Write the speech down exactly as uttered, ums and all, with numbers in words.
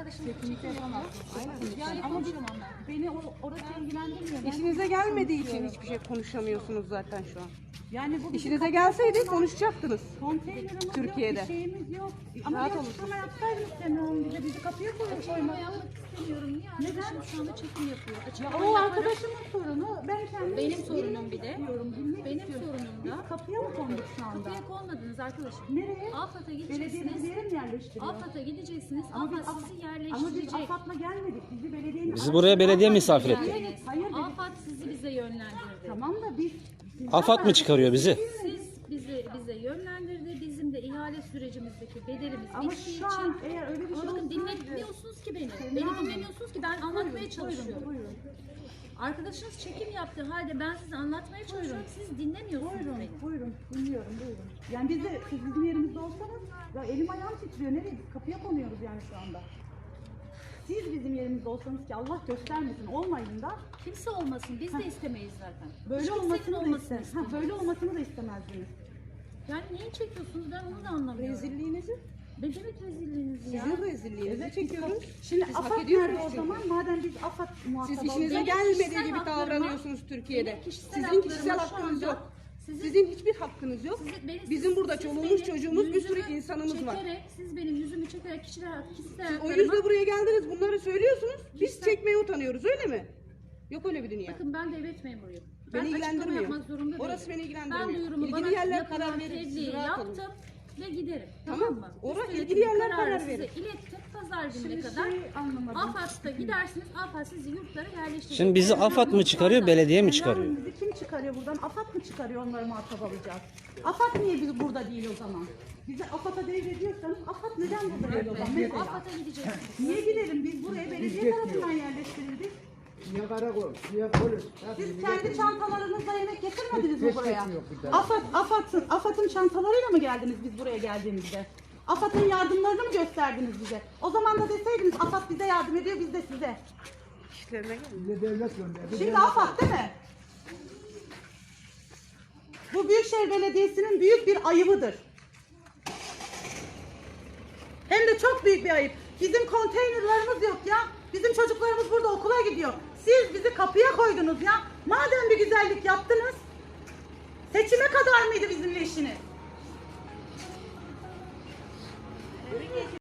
arkadaşımız çekim yapamaz. Yani Ama konuşamam ben. beni o, orası ilgilendirmiyor. Ben İşinize gelmediği için hiçbir şey konuşamıyorsunuz zaten şu an. yani bu bizim İşinize gelseydi konuşacaktınız. konteynerimiz Türkiye'de. yok, bir şeyimiz yok. Ama Rahat bir olun. açıklama yapsaydınız Semih bize, bizi kapıya koyup Açıklama koymak. yapmak istemiyorum. Niye? Arkadaşım şu anda çekim yapıyor. Ya Açıklama o yaparım. arkadaşımın sorunu. Ben kendim Benim sorunum bir de. istiyorum, bilmek Benim istiyorum. sorunum Biz da. kapıya mı konduk şu anda? Kapıya konmadınız arkadaşım. Nereye? AFAD'a Belediye bizi gideceksiniz. yere mi yerleştiriyor? AFAD'a gideceksiniz. Ama biz, AFAD Af- sizi ama biz yerleştirecek. AFAD'la gelmedik. Bizi belediyenin... Bizi buraya belediye misafir etti. Geldiniz. Hayır dedik. AFAD sizi bize yönlendirdi. Tamam da biz... AFAD mı çıkarıyor bizi? Siz bizi bize yönlendirdi. Bizim de ihale sürecimizdeki bedelimiz Ama bittiği şu an için. eğer öyle bir şey Ama bakın olsaydı... dinlemiyorsunuz ki beni. Beni dinlemiyorsunuz ki ben anlatmaya çalışıyorum. Buyurun, Arkadaşınız çekim yaptığı halde ben size anlatmaya çalışıyorum. Siz dinlemiyorsunuz buyurun, beni. buyurun, dinliyorum, buyurun. Yani biz de, siz bizim yerimizde olsanız, ya elim ayağım titriyor, nereye? Kapıya konuyoruz yani şu anda. Siz bizim yerimizde olsanız ki Allah göstermesin, olmayın da Kimse olmasın. Biz de istemeyiz zaten. böyle Hiç kimsenin olmasını da olmasını istemez. Ha, istemeyiz. böyle olmasını da istemezdiniz. Yani neyi çekiyorsunuz ben onu da anlamıyorum. Rezilliğinizi, Ne demek rezilliğiniz ya? sizin rezilliğinizi çekiyoruz. Şimdi Siz hak AFAD ediyorsunuz nerede o çünkü. zaman? Madem biz AFAD muhatabı Siz işinize Benim gelmediği kişisel gibi haklarıma- davranıyorsunuz Türkiye'de. benim kişisel Sizin haklarıma kişisel şu hakkınız anda yok. sizin- Sizin hiçbir hakkınız yok. Siz- beni- Bizim siz- burada siz çoluğumuz, benim çocuğumuz, bir sürü yüzümü insanımız var. çekerek, Siz benim yüzümü çekerek kişiler, kişisel O haklarıma... yüzden buraya geldiniz, bunları söylüyorsunuz. Biz Kişisel- çekmeye utanıyoruz, öyle mi? Yok öyle bir dünya. Bakın ben devlet memuruyum. Beni Ben açıklama ilgilendirmiyor. yapmak zorunda değilim. Orası beni ilgilendirmiyor. Ben duyurumu İlgili bana yerler yapılan karar verir, siz tebliği rahat olun. yaptım ve giderim. Tamam. Tamam mı? Orası Üst ilgili yönetimin yerler kararı karar size verir. ilettim. Pazar gününe Şimdi kadar şey anlamadım. AFAD'da gidersiniz. AFAD sizi yurtlara yerleştirecek. Şimdi bizi AFAD mı çıkarıyor, belediye mi çıkarıyor? Yani bizi kim çıkarıyor buradan? AFAD mı çıkarıyor, onları muhatap alacağız? AFAD niye biz burada değil o zaman? Bize AFAD'a devrediyorsanız AFAD neden burada değil o zaman? Mesela. AFAD'a gideceksiniz. Niye gidelim? Biz buraya belediye tarafından yerleştirildik. Ya karakol, ya polis. Siz kendi çantalarınızla yemek getirmediniz mi Hiç buraya? yok bir tane. AFAD, AFAD'ın, AFAD'ın çantalarıyla mı geldiniz biz buraya geldiğimizde? AFAD'ın yardımlarını mı gösterdiniz bize? O zaman da deseydiniz AFAD bize yardım ediyor, biz de size. İşlerine gelin. Bize devlet gönderdi. Şimdi AFAD değil mi? Bu Büyükşehir Belediyesi'nin büyük bir ayıbıdır. Hem de çok büyük bir ayıp. Bizim konteynerlarımız yok ya. Bizim çocuklarımız burada okula gidiyor. Siz bizi kapıya koydunuz ya. Madem bir güzellik yaptınız, seçime kadar mıydı bizimle işiniz?